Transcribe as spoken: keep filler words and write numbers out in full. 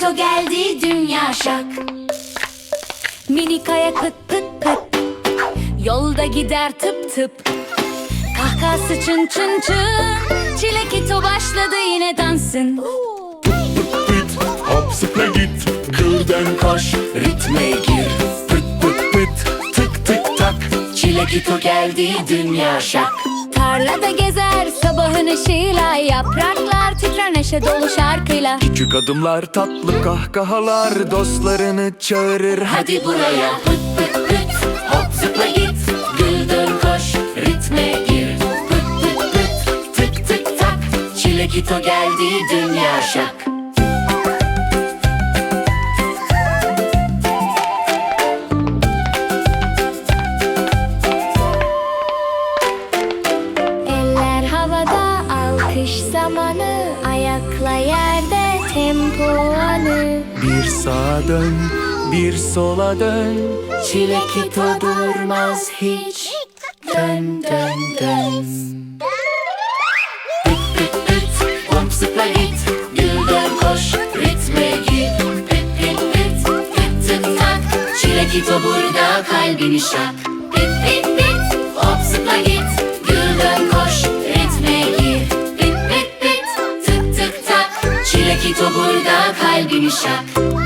Çilekito geldi dünya şak. Minik ayak pıt pıt pıt, yolda gider tıp tıp. Kahkahası çın çın çın, Çilekito başladı yine dansın. Pıt pıt hop zıpla git, gülden koş ritme gir. Pıt pıt pıt tık tık tak, Çilekito geldi dünya şak. Tarlada gezer sabahın ışığıyla, yapraklar titrer neşe dolu şarkıyla. Küçük adımlar, tatlı kahkahalar, dostlarını çağırır. Hadi buraya pıt pıt pıt, hop zıpla git, gül dön koş ritme gir. Pıt pıt pıt tık tık tak, Çilekito geldi dünya şak. Eller havada alkış zamanı, ayakla yerde tempo anı. Bir sağa dön, bir sola dön, Çilekito durmaz hiç, dön dön dön. Pıt pıt pıt hop zıpla git, gül dön koş ritme gir. Pıt pıt pıt tık tık tak, Çilekito burada kalbini şak. Pıt pıt pıt hop zıpla git, gül dön koş ritme gir. Pıt pıt pıt tık tık tak, Çilekito burada kalbini şak.